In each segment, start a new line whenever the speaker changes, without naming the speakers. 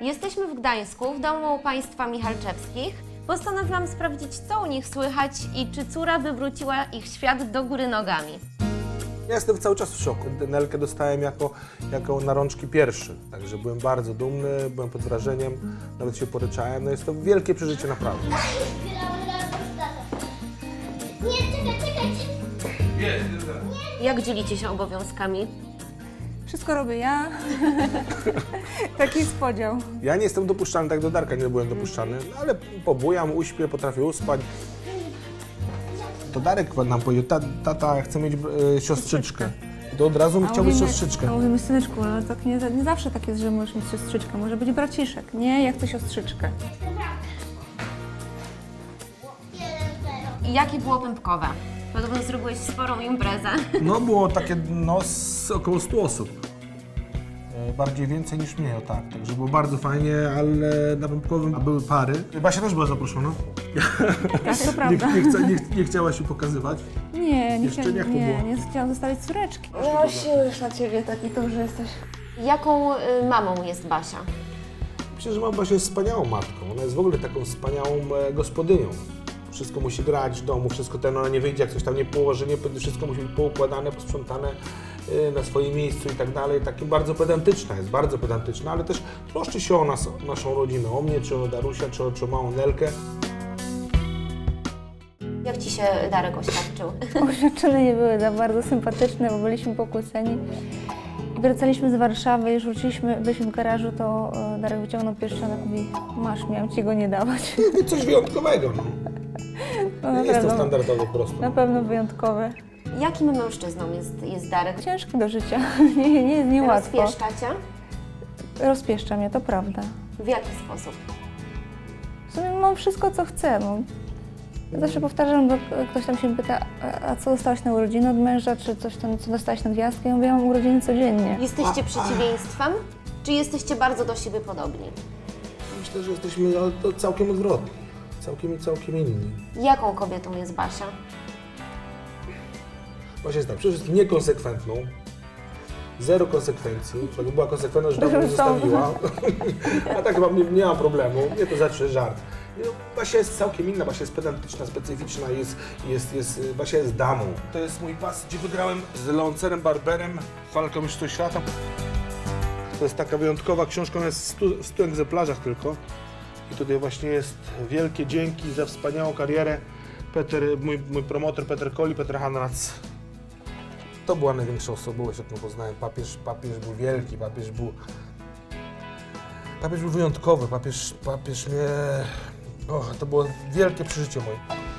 Jesteśmy w Gdańsku, w domu państwa Michalczewskich. Postanowiłam sprawdzić, co u nich słychać i czy córa wywróciła ich świat do góry nogami.
Ja jestem cały czas w szoku. Nelkę dostałem jako na rączki pierwszy, także byłem bardzo dumny, byłem pod wrażeniem, nawet się poryczałem. No jest to wielkie przeżycie naprawdę.
Nie, czekaj.
Jak dzielicie się obowiązkami?
Wszystko robię ja. Taki jest podział.
Ja nie jestem dopuszczalny, tak do Darka nie byłem dopuszczalny, ale pobujam, uśpię, potrafię uspać. To Darek nam powiedział, tata chce mieć siostrzyczkę. I to od razu mi chciał mieć siostrzyczkę.
A mówimy, syneczku, ale tak nie zawsze tak jest, że możesz mieć siostrzyczkę. Może być braciszek. Nie, ja chcę siostrzyczkę.
I jakie było pępkowe? Podobno zrobiłeś sporą imprezę.
No było takie, około 100 osób. Bardziej więcej niż mnie, o tak. Także było bardzo fajnie, ale na Pępkowym były pary. Basia też była zaproszona.
Tak, to prawda.
Nie chciała się pokazywać.
Nie chciałam zostawić córeczki.
No się już na ciebie taki duży jesteś. Jaką mamą jest Basia?
Myślę, że Basia jest wspaniałą matką. Ona jest w ogóle taką wspaniałą gospodynią. Wszystko musi grać w domu, wszystko ona nie wyjdzie, jak coś tam nie położy, wszystko musi być poukładane, posprzątane na swoim miejscu i tak dalej. Takim bardzo pedantyczna jest, bardzo pedantyczna, ale też troszczy się o nas, o naszą rodzinę, o mnie, czy o Darusia, czy o małą Nelkę.
Jak ci się Darek oświadczył?
Oświadczenia nie były za bardzo sympatyczne, bo byliśmy pokłóceni. I wracaliśmy z Warszawy, już byliśmy w garażu, to Darek wyciągnął pierścionek i mówi: masz, miałem ci go nie dawać.
Coś wyjątkowego, no. Nie jest to standardowo po prostu.
Na pewno wyjątkowe.
Jakim mężczyzną jest Darek?
Ciężki do życia, niełatwo.
Rozpieszcza cię?
Rozpieszcza mnie, to prawda.
W jaki sposób?
W sumie mam wszystko, co chcę. No. Zawsze powtarzam, bo ktoś tam się pyta, a co dostałaś na urodziny od męża, czy coś tam, co dostałaś na gwiazdkę? Ja mówię, ja mam urodziny codziennie.
Jesteście przeciwieństwem, czy jesteście bardzo do siebie podobni?
Myślę, że jesteśmy całkiem odwrotni, całkiem inni.
Jaką kobietą jest Basia?
Basia jest tak, przede wszystkim niekonsekwentną, zero konsekwencji. Jakby była konsekwentna, że dawno zostawiła, a tak chyba nie ma problemu, nie to zawsze żart. Basia jest całkiem inna, Basia jest pedantyczna, specyficzna, Basia jest damą. To jest mój pas, gdzie wygrałem z Leoncerem Barberem walkę o mistrzostwo świata. To jest taka wyjątkowa książka, ona jest w 100 egzemplarzach tylko. I tutaj właśnie jest wielkie dzięki za wspaniałą karierę. Mój promotor Peter Hanrac. To była największa osobowość, jaką poznałem. Papież był wielki, papież był wyjątkowy, papież mnie... to było wielkie przeżycie moje.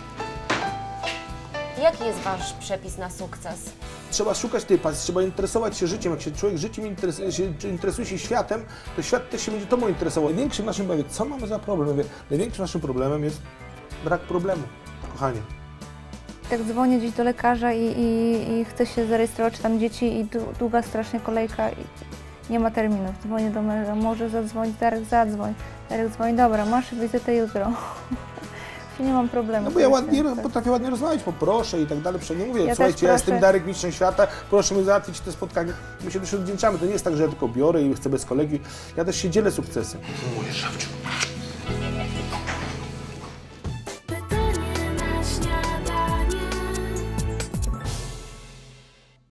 Jaki jest wasz przepis na sukces?
Trzeba szukać tej pasji, trzeba interesować się życiem. Jak się człowiek życiem interesuje się światem, to świat też się będzie tobą interesował. Największym naszym problemem, co mamy za problem? Największym naszym problemem jest brak problemu, kochanie.
Tak dzwonię gdzieś do lekarza i chcę się zarejestrować, czy tam dzieci i długa strasznie kolejka i nie ma terminów. Dzwonię do męża, może zadzwonić, Darek zadzwoń. Darek dzwoni, dobra, masz wizytę jutro. Nie mam problemu.
No bo ja potrafię ładnie rozmawiać, poproszę i tak dalej. Nie mówię,
ja
słuchajcie, ja jestem Darek, mistrzem świata, proszę mi załatwić te spotkanie. My się też odwdzięczamy. To nie jest tak, że ja tylko biorę i chcę bez kolegi. Ja też się dzielę sukcesem. Mówię, Szafciu.